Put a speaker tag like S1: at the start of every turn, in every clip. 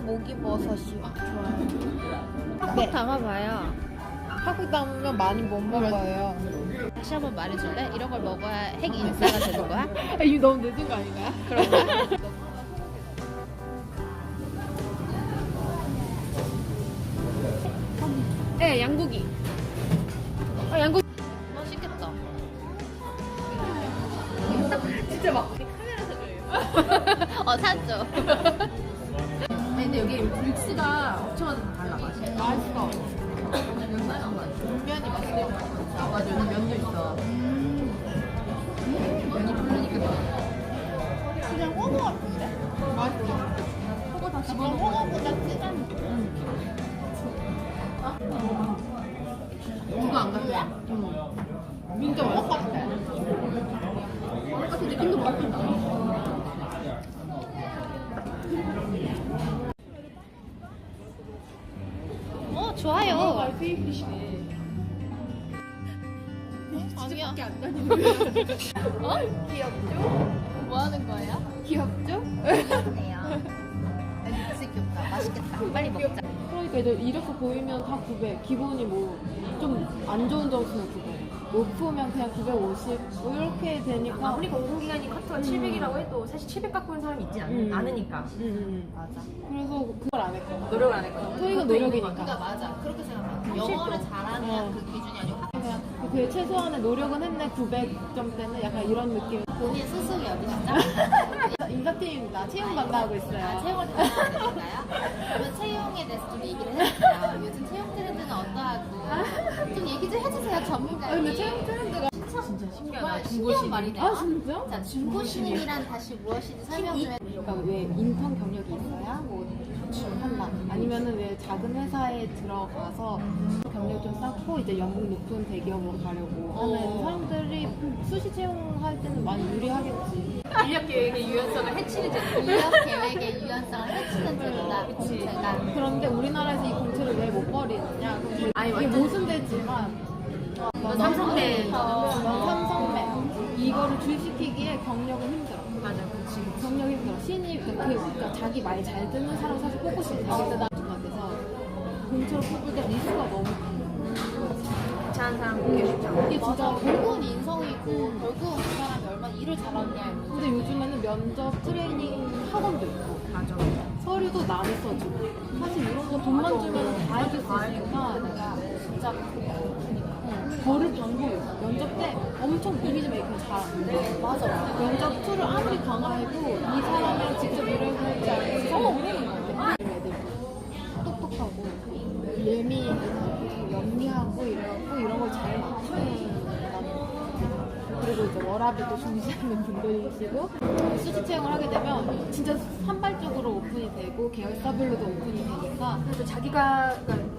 S1: 목이버섯이 좋아요.
S2: 네. 담아봐요.
S1: 하고 담으면 많이 못 먹어요.
S2: 다시 한번 말해줄래? 이런 걸 먹어야 핵 인싸가 되는 거야?
S1: 아, 이거 너무 늦은 거 아닌가요?
S2: 그런가?
S1: 네, 양고기. 아, 양고기.
S2: 맛있겠다.
S1: 진짜 막.
S2: 샀죠.
S3: 근데 여기 육수가 업체마다 달라 맛이.
S1: 맛있어.
S3: 면이 맛있어. 아 맞아 여기 면도 있어. 면이 부르니까
S1: 그냥 호거 같은데? 맛있어.
S3: 호거 다
S1: 약간
S3: 집어넣어.
S1: 호거보다 진한 느낌.
S3: 누가 안 같아?
S1: 진짜 호거 같아.
S3: 똑같은 느낌도 맛있다.
S2: 좋아요.
S1: 아니야.
S3: 안 다니는
S1: 귀엽죠?
S2: 뭐 하는 거예요?
S1: 귀엽죠?
S2: 귀엽네요. 진짜 귀엽다. 맛있겠다. 빨리 먹자.
S1: 그러니까 이렇게 보이면 다 900. 기본이 뭐 좀 안 좋은 점수는 900. 높으면 그냥 950. 뭐 이렇게 되니까.
S3: 아무리 공공기관이 커트가 700이라고 해도 사실 700 갖고 있는 사람이 있지 않으니까.
S1: 맞아. 그래서 그걸 안 했거든.
S3: 노력을 안 했거든.
S1: 토익은 노력이니까.
S2: 그러니까 맞아. 그렇게 생각해. 영어를 잘하는 그 기준이 아니고
S1: 그냥 그 최소한의 노력은 했네. 900점대는 약간 이런 느낌.
S2: 본인 스스로 여기시죠?
S1: 인사팀입니다. 채용 담당하고 있어요.
S2: 채용을 담당하는 건가요? 그러면 채용에 대해서 좀 얘기를 해주세요. 요즘 채용 트렌드는 어떠하고 좀 얘기 좀 해주세요, 전문가님.
S1: 근데 채용 트렌드가
S3: 진짜 신기하다.
S2: 정말
S3: 중고신.
S2: 신기한 말이네요.
S1: 아 진짜?
S2: 자, 중고신이란 다시 무엇인지 설명 좀 해주세요.
S1: 그러니까 왜 인턴 경력이 있어야 뭐 한다. 아니면은 왜 작은 회사에 들어가서 경력 좀 쌓고 이제 연봉 높은 대기업으로 가려고 하는 사람들이 수시 채용할 때는 많이 유리하겠지.
S3: 인력 계획의 유연성을 해치는 제도.
S2: 인력 계획의 유연성을 해치는 제도다. 공채가.
S1: 그런데 우리나라에서 이 공채를 왜 못 버리느냐? 그럼
S3: 아니,
S1: 이게
S3: 완전-
S1: 모순되지만
S3: 삼성맨.
S1: 삼성맨 이거를 줄시키기에 경력은 힘들어.
S3: 맞아, 그렇지.
S1: 경력 힘들어. 신입 그러니까 자기 말 잘 듣는 사람 사실 뽑고 싶은데 나 중학에서 공채로 뽑을 때 리스크가 너무
S3: 괜찮은 사람 보기 쉽지 않아.
S1: 이게 진짜
S2: 결국은 인성이고 결국은 그 사람이 얼마나 일을 잘하느냐에 문제.
S1: 근데 요즘에는 면접 트레이닝 학원도 있고
S3: 맞아.
S1: 서류도 남이 써주고 사실 이런 거 돈만 주면 다 해줄 수 있으니까
S2: 진짜
S1: 버릴 방법이 없어. 면접 때 엄청 이미지 메이킹 잘하는데
S2: 맞아.
S1: 면접 툴을 아무리 강화해도 이 사람이랑 직접 일을 해보지 않고 모르는 것 같아. 애들 똑똑하고 예민하고 영리하고 이래갖고 이런 걸 잘 맞추는 그리고 이제 워라밸도 중시하는 분들이시고 수시 채용을 하게 되면 진짜 산발적으로 오픈이 되고 계열사별로도 오픈이 되니까
S3: 그래서 자기가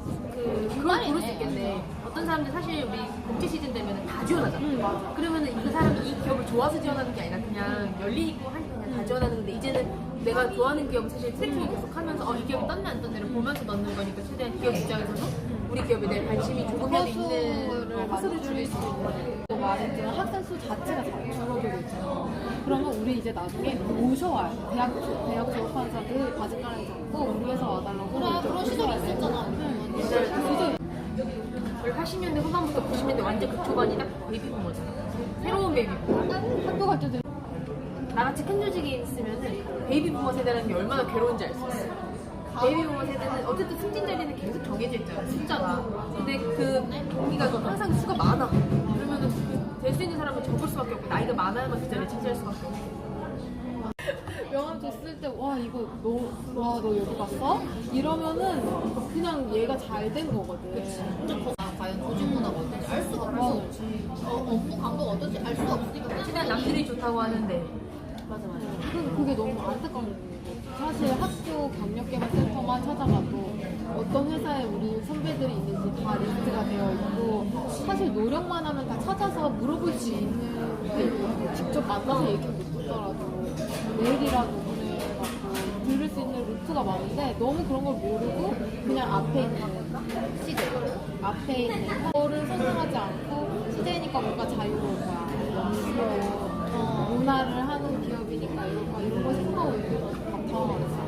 S3: 그걸
S2: 말이네.
S3: 고를 수 있겠네. 어떤 사람들 사실 우리 복지 시즌 되면 다 지원하잖아.
S1: 맞아.
S3: 그러면은 이 사람이 이 기업을 좋아서 지원하는 게 아니라 그냥 열린 있고 하니까 그냥 다 지원하는 건데 이제는 내가 좋아하는 기업은 사실 트래킹을 계속 하면서 이 기업이 떴네 안 떴네를 보면서 넣는 거니까 최대한 기업 입장에서도 우리 기업에 대한 관심이 조금이라도 있는 허수를 줄일 수 있는 거네.
S1: 또 말했지만 학생 수 자체가 줄어들고 있잖아. 그러면 우리 이제 나중에 모셔와요. 대학 졸업한 사람들 바지가랑 잡고 우리 회사 와달라고.
S2: 그래, 그런 시절이 있었잖아.
S1: 진짜
S3: 우리 80년대 후반부터 90년대 완전 그 초반이 딱 베이비부머잖아. 새로운 베이비부머.
S1: 학교 갈 때도
S3: 나같이 큰 조직에 있으면은 베이비부머 세대라는 게 얼마나 괴로운지 알 수 있어. 베이비부머 세대는 어쨌든 승진 자리는 계속 정해져 있잖아, 숫자가. 근데 그 동기가 항상 수가 많아. 그러면은 될 수 있는 사람은 적을 수밖에 없고 나이가 많아야만 그 자리에 차지할 수밖에 없고.
S1: 명함 줬을 때 와 이거 너 여기 갔어? 이러면은 그냥 얘가 잘 된 거거든.
S2: 과연 조직 문화가 어떤지 알 수가 없어. 업무 강도가 어떤지 알 수가 없으니까
S3: 최대한 남들이 좋다고 하는데. 맞아.
S1: 그게 너무 안타까운 거예요. 사실 학교 경력개발센터만 찾아가도 어떤 회사에 우리 선배들이 있는지 다 리스트가 되어 있고 사실 노력만 하면 다 찾아서 물어볼 수 있는 게 있고 직접 만나서 얘기 못 듣더라도 메일이라도 보내갖고 들을 수 있는 루트가 많은데 너무 그런 걸 모르고 그냥 앞에 있는 시대 앞에 있는 거를 선택하지 않고 시대니까 뭔가 자유로운 거야 문화를 하는 기업이니까 이런 거 생각하고 있는 것 같아.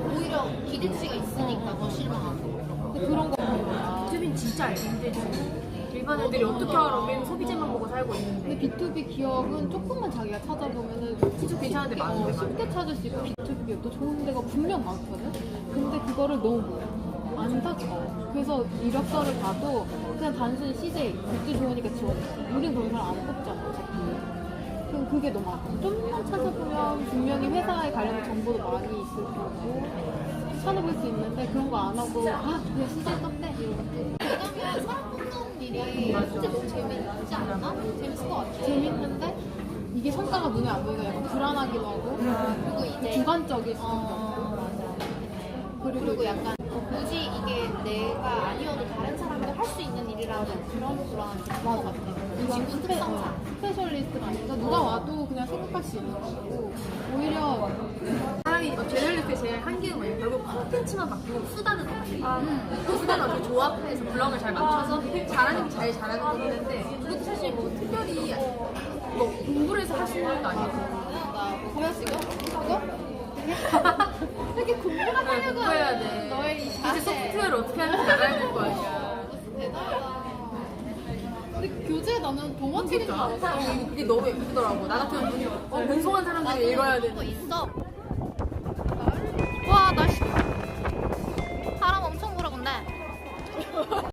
S2: 오히려 기대치가 있으니까 더 실망하고.
S1: 근데 그런 거 보면
S3: B2B는 진짜 알기 힘들지. 일반 애들이 어떻게 알아? 우리는 소비재만 보고 살고
S1: 근데
S3: 있는데.
S1: B2B 기업은 조금만 자기가 찾아보면은
S3: 진짜 괜찮은 데 많은데,
S1: 쉽게 찾을 수 있고 B2B 기업도 좋은 데가 분명 많거든? 근데 그거를 너무 몰라. 안 찾아. 그래서 이력서를 봐도 그냥 단순히 CJ, 굿즈 좋으니까 지원해. 우린 그런 사람 안 뽑잖아, 어차피. 그럼 그게 너무 아파. 좀만 찾아보면 분명히 회사에 관련된 정보도 많이 있을 거고 찾아볼 수 있는데 그런 거 안 하고 그냥 CJ 떴대 이러고
S2: 왜냐면 사람 뽑는 일이 진짜 너무 재밌지 않나? 재밌을 것 같아.
S1: 재밌는데 이게 성과가 눈에 안 보이니까 약간 불안하기도 하고
S2: 그리고 이제
S1: 주관적일 수도 있고
S2: 그리고 약간 굳이 이게 내가 아니어도 다른 사람도 할 수 있는 일이라도 그런 불안함이 있을 것 같아.
S1: 이건
S2: 직군 특성상.
S1: 스페셜리스트가 아니니까 누가 와도 그냥 생각할 수 있는 거고 오히려
S3: 사람이 제너럴리스트의 제일 한계는 뭐냐? 결국 콘텐츠만 바뀌고 수단은 없지. 그 수단을 어떻게 조합해서 블럭을 잘 맞춰서 잘하는 게 제일 잘하는 건 있는데 그것도 사실 뭐 특별히 뭐 공부를 해서 할 수 있는 것도 아니고.
S1: 보여 지금? 이거? 이렇게 공부가 하려고
S3: 공부해야 돼.
S1: 너의 이
S3: 이제
S1: 자세
S3: 소프트웨어를 어떻게 하는지 알아야 될 거 아니야.
S2: 대단하다.
S1: 근데 교재에 나는 동화 책인 줄 알았어
S3: 이게 너무 예쁘더라고. 나 같은 분송한 사람들이 읽어야
S2: 그거
S3: 되는.
S2: 있어.